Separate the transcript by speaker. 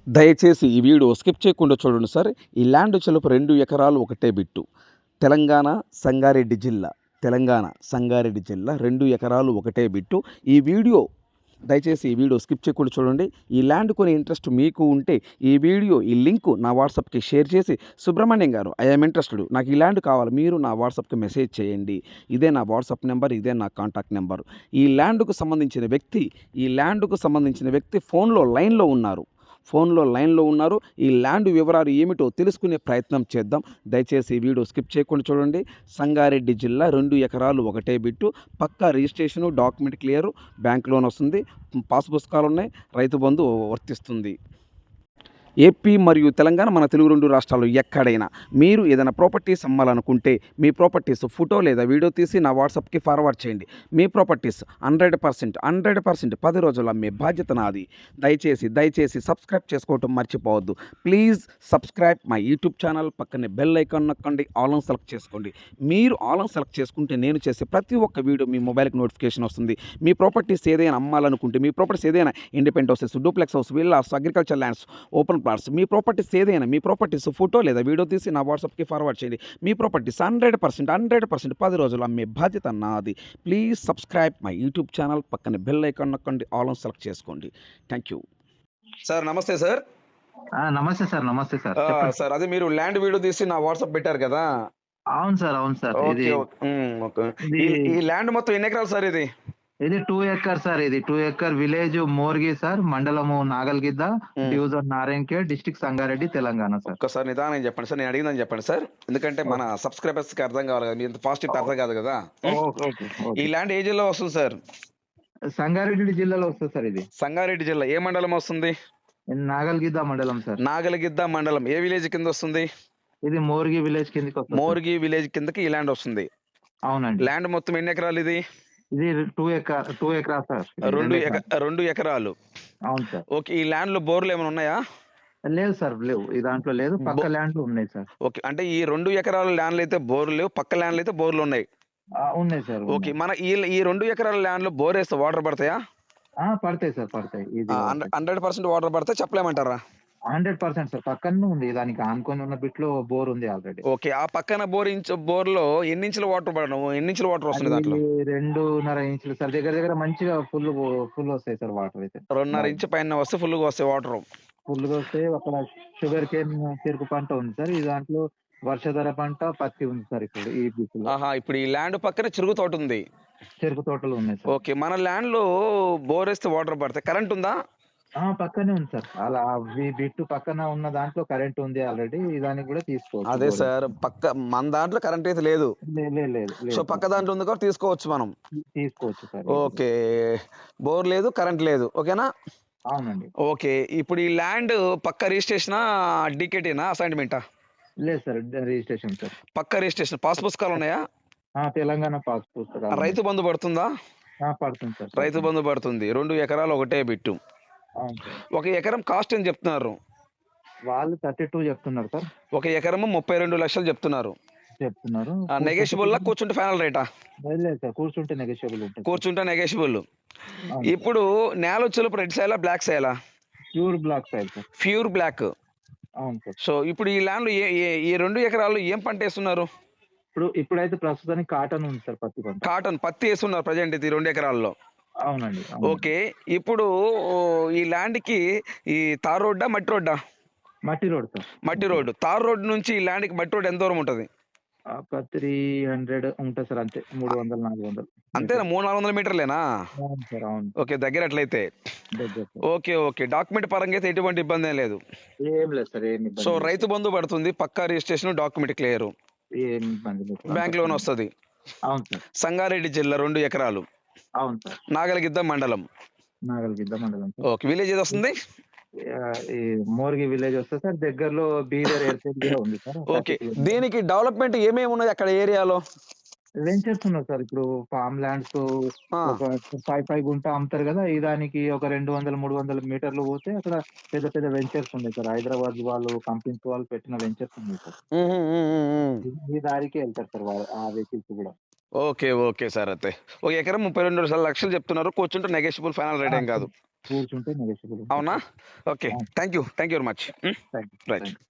Speaker 1: దయచేసి ఈ video skip చేయకుండా చూడండి సార్. ఈ ల్యాండ్ చెలుపు 2 ఎకరాలు ఒకటే బిట్టు. తెలంగాణ సంగారెడ్డి జిల్లా. 2 ఎకరాలు ఒకటే బిట్టు. దయచేసి ఈ వీడియో స్కిప్ చేయకుండా చూడండి. ఈ ల్యాండ్ కొనే ఇంట్రెస్ట్ మీకు ఉంటే ఈ లింకు నా వాట్సాప్కి షేర్ చేసి, సుబ్రహ్మణ్యం గారు ఐ యామ్ ఇంట్రెస్టెడ్, నాకు ఈ ల్యాండ్ కావాలి, మీరు నా వాట్సాప్కి మెసేజ్ చేయండి. ఇదే నా వాట్సాప్ నెంబర్, ఇదే నా కాంటాక్ట్ నెంబర్. ఈ ల్యాండ్కు సంబంధించిన వ్యక్తి ఫోన్లో లైన్లో ఉన్నారు. ఈ ల్యాండ్ వివరాలు ఏమిటో తెలుసుకునే ప్రయత్నం చేద్దాం. దయచేసి ఈ వీడియో స్కిప్ చేయకుండా చూడండి. సంగారెడ్డి జిల్లా 2 ఎకరాలు ఒకటే బిట్టు. పక్కా registration, document clear, bank loan వస్తుంది, పాస్ పుస్తకాలు ఉన్నాయి, రైతు బంధు వర్తిస్తుంది. ఏపీ మరియు తెలంగాణ, మన తెలుగు 2 రాష్ట్రాల్లో ఎక్కడైనా మీరు ఏదైనా ప్రాపర్టీస్ అమ్మాలనుకుంటే మీ ప్రాపర్టీస్ ఫోటో లేదా వీడియో తీసి నా వాట్సాప్కి ఫార్వర్డ్ చేయండి. మీ ప్రాపర్టీస్ 100% 10 రోజుల్లో అమ్మే బాధ్యత నాది. దయచేసి సబ్స్క్రైబ్ చేసుకోవటం మర్చిపోవద్దు. Please subscribe my YouTube channel. పక్కనే బెల్ ఐకాన్ నొక్కండి, ఆల్ ఆన్ సెలెక్ట్ చేసుకోండి. మీరు ఆల్ ఆన్ సెలెక్ట్ చేసుకుంటే నేను చేసే ప్రతి ఒక్క వీడియో మీ మొబైల్కి నోటిఫికేషన్ వస్తుంది. మీ ప్రాపర్టీస్ ఏదైనా అమ్మాలనుకుంటే, మీ ప్రాపర్టీస్ ఏదైనా independent houses, duplex house, villas, agriculture lands, open plots, మీ ప్రాపర్టీస్ ఫోటో లేదా వీడియో తీసి నా వాట్సాప్కి ఫార్వర్డ్ చేయండి. మీ ప్రాపర్టీస్ 100% 10 రోజులు అమ్మే బాధ్యత నాది. Please subscribe my YouTube channel. పక్కన బెల్ ఐకాన్ నొక్కండి, ఆల్ ఆన్ సెలెక్ట్ చేసుకోండి. Thank you sir. నమస్తే సార్.
Speaker 2: నమస్తే సార్. నమస్తే సార్.
Speaker 1: సార్, అదే మీరు ల్యాండ్ వీడియో తీసి నా వాట్సాప్ పెట్టారు కదా?
Speaker 2: అవును సార్. అవును సార్.
Speaker 1: ఓకే. ఈ ల్యాండ్ మొత్తం ఎన్ని ఎకరాలు సార్?
Speaker 2: ఇది 2 ఎకర్ సార్. ఇది 2 ఎకర్ విలేజ్ మోర్గి సార్, మండలము Nagalgidda, division Narayankhed, district Sangareddy, Telangana sir.
Speaker 1: ఒక్కసారి నిదానం చెప్పండి సార్, నేను అడిగిందని చెప్పండి సార్, ఎందుకంటే మన సబ్స్క్రైబర్స్ కి అర్థం కావాలి కదా, మీరు ఫాస్ట్ అర్థం కాదు కదా. ఈ ల్యాండ్ ఏ జిల్లా వస్తుంది సార్?
Speaker 2: సంగారెడ్డి జిల్లాలో వస్తుంది సార్. ఇది
Speaker 1: సంగారెడ్డి జిల్లా ఏ మండలం వస్తుంది?
Speaker 2: నాగల్గిద్ద మండలం సార్.
Speaker 1: నాగల్గిద్ద మండలం ఏ విలేజ్ కింద వస్తుంది?
Speaker 2: ఇది మోర్గి విలేజ్ కిందకి వస్తుంది.
Speaker 1: మోర్గి విలేజ్ కిందకి ఈ ల్యాండ్ వస్తుంది.
Speaker 2: అవునండి.
Speaker 1: ల్యాండ్ మొత్తం ఎన్ని ఎకరాలు ఇది?
Speaker 2: ఇది 2 ఎకరా సార్.
Speaker 1: 2 ఎకరాలు.
Speaker 2: అవును సార్.
Speaker 1: ఓకే. ఈ ల్యాండ్ లో బోర్లు ఏమైనా ఉన్నాయా?
Speaker 2: లేదు సార్, లేవు. ఈ దాంట్లో లేదు, పక్క ల్యాండ్లు ఉన్నాయి సార్.
Speaker 1: ఓకే, అంటే ఈ 2 ఎకరాల ల్యాండ్లు అయితే బోర్లు లేవు, పక్క ల్యాండ్లు అయితే బోర్లు ఉన్నాయి.
Speaker 2: ఉన్నాయి సార్.
Speaker 1: ఓకే, మన ఈ 2 ఎకరాల ల్యాండ్ లో బోర్ వేస్తే వాటర్ పడతాయా?
Speaker 2: పడతాయి సార్, పడతాయి. ఇది
Speaker 1: 100% వాటర్ పడితే చెప్పలేమంటారా?
Speaker 2: 100% సార్. పక్కనే ఉంది, దానికి ఆనుకొని ఉన్న బిట్ లో బోర్ ఉంది ఆల్రెడీ.
Speaker 1: ఓకే, ఆ పక్కన బోర్లో ఎన్ని ఇంచుల వాటర్ పడడం, ఎన్ని ఇంచుల వాటర్ వస్తుంది దాంట్లో?
Speaker 2: 2.5 ఇంచులు సార్. దగ్గర మంచిగా ఫుల్ వస్తాయి సార్ వాటర్ అయితే.
Speaker 1: 2.5 ఇంచు పైన వస్తే ఫుల్ గా వస్తాయి వాటర్.
Speaker 2: ఫుల్ గా వస్తాయి. అక్కడ షుగర్ కేన్ చెరుకు పంట ఉంది సార్. ఈ దాంట్లో వర్షధర పంట, పత్తి ఉంది సార్. ఇప్పుడు ఈ బిట్ లో
Speaker 1: ఇప్పుడు ఈ ల్యాండ్ పక్కన చెరుకు తోట ఉంది.
Speaker 2: చెరుకు తోటలు ఉన్నాయి సార్.
Speaker 1: ఓకే, మన ల్యాండ్ లో బోర్ వేస్తే వాటర్ పడతాయి. కరెంట్ ఉందా?
Speaker 2: పక్కనే ఉంది సార్. అలా బిట్టు పక్కన ఉన్న దాంట్లో కరెంట్ ఉంది ఆల్రెడీ. దానికి కూడా తీసుకోవచ్చు.
Speaker 1: అదే సార్, మన దాంట్లో కరెంట్ అయితే లేదు.
Speaker 2: లేదు.
Speaker 1: సో పక్క దాంట్లో ఉంది కూడా తీసుకోవచ్చు మనం.
Speaker 2: తీసుకోవచ్చు సార్.
Speaker 1: ఓకే, బోర్ లేదు, కరెంట్ లేదు. ఓకేనా?
Speaker 2: అవునండి.
Speaker 1: ఓకే, ఇప్పుడు ఈ ల్యాండ్ పక్క రిజిస్ట్రేషనా, డికేటీనా, అసైన్మెంటా?
Speaker 2: లేదు సార్, రిజిస్ట్రేషన్ సార్.
Speaker 1: పక్క రిజిస్ట్రేషన్. పాస్ పుస్తకాలు ఉన్నాయా?
Speaker 2: తెలంగాణ పాస్ పుస్తకాలు.
Speaker 1: రైతు బంధు పడుతుందా?
Speaker 2: పడుతుంది సార్.
Speaker 1: రైతు బంధు పడుతుంది. 2 ఎకరాలు ఒకటే బిట్టు. ఒక ఎకరం కాస్ట్ అని చెప్తున్నారు
Speaker 2: వాళ్ళు. 32 చెప్తున్నారు సార్.
Speaker 1: ఒక ఎకరము 32 లక్షలు చెప్తున్నారు. నెగోషియబుల్ లా, కూర్చుంటే ఫైనల్ రేటా?
Speaker 2: లేదు సార్, కూర్చుంటే నెగోషియబుల్ ఉంటుంది.
Speaker 1: కూర్చుంటే నెగోషియబుల్. ఇప్పుడు నేల వచ్చేలోపు రెడ్ సైలా, బ్లాక్ సైలా?
Speaker 2: Pure black soil sir.
Speaker 1: Pure black.
Speaker 2: అవును సార్.
Speaker 1: సో ఇప్పుడు ఈ ల్యాండ్ ఈ 2 ఎకరాలు ఏం పంట వేస్తున్నారు?
Speaker 2: ఇప్పుడైతే ప్రస్తుతానికి కాటన్ ఉంది సార్.
Speaker 1: పత్తి వేస్తున్నారు ప్రజెంట్ ఇది 2 ఎకరాల్లో.
Speaker 2: అవునండి.
Speaker 1: ఓకే, ఇప్పుడు ఈ ల్యాండ్ కి ఈ తార్ రోడ్డా, మట్టి రోడ్డా?
Speaker 2: మట్టి రోడ్ సార్.
Speaker 1: మట్టి రోడ్డు. తార్ రోడ్ నుంచి ఈ ల్యాండ్ కి మట్టి రోడ్ ఎంత దూరం ఉంటది?
Speaker 2: 300 ఉంటుంది సార్. అంతే, 300-400.
Speaker 1: అంతేనా? 300-400 మీటర్లేనా?
Speaker 2: అవును సార్. అవును.
Speaker 1: ఓకే, దగ్గర అట్లయితే. ఓకే, డాక్యుమెంట్ పరంగా అయితే ఎటువంటి ఇబ్బంది ఏం లేదు.
Speaker 2: ఏం లేదు సార్, ఏం ఇబ్బంది.
Speaker 1: సో రైతు బంధు పడుతుంది, పక్కా రిజిస్ట్రేషన్, డాక్యుమెంట్ క్లియర్,
Speaker 2: ఏం ఇబ్బంది లేదు.
Speaker 1: బ్యాంక్ లోన్ వస్తుంది.
Speaker 2: అవును సార్.
Speaker 1: సంగారెడ్డి జిల్లా 2 ఎకరాలు.
Speaker 2: అవును సార్.
Speaker 1: నాగల్గిద్ద మండలం. ఓకే, విలేజ్ ఏది వస్తుంది?
Speaker 2: ఈ మోర్గి విలేజ్ వస్తుంది సార్. దగ్గరలో బీదర్ ఎయిర్పోర్ట్ కూడా ఉంది సార్.
Speaker 1: ఓకే, దీనికి డెవలప్మెంట్ ఏమేమి ఉన్నది అక్కడ ఏరియాలో?
Speaker 2: వెంచర్స్ ఉన్నాయి సార్. ఇప్పుడు ఫార్మ్ ల్యాండ్స్ ఒక 5 గుంట అమ్ముతారు కదా. ఈ దానికి ఒక 200-300 మీటర్లు పోతే అక్కడ పెద్ద వెంచర్స్ ఉన్నాయి సార్. హైదరాబాద్ వాళ్ళు, కంపెనీస్ వాళ్ళు పెట్టిన వెంచర్స్ ఉన్నాయి సార్. ఈ దారికి వెళ్తారు సార్ ఆ వెహికల్స్ కూడా.
Speaker 1: Okay sir. అయితే ఒక ఎకరం 32 లక్షలు చెప్తున్నారు. కూర్చుంటే నెగోషియబుల్, ఫైనల్ రేట్ ఏం కాదు.
Speaker 2: కూర్చుంటే నెగోషియబుల్ ఉంటుంది
Speaker 1: అవునా?
Speaker 2: సార్.
Speaker 1: ఓకే.
Speaker 2: అవును.
Speaker 1: Thank you very much.
Speaker 2: Thank you.
Speaker 1: Right.
Speaker 2: Thank you.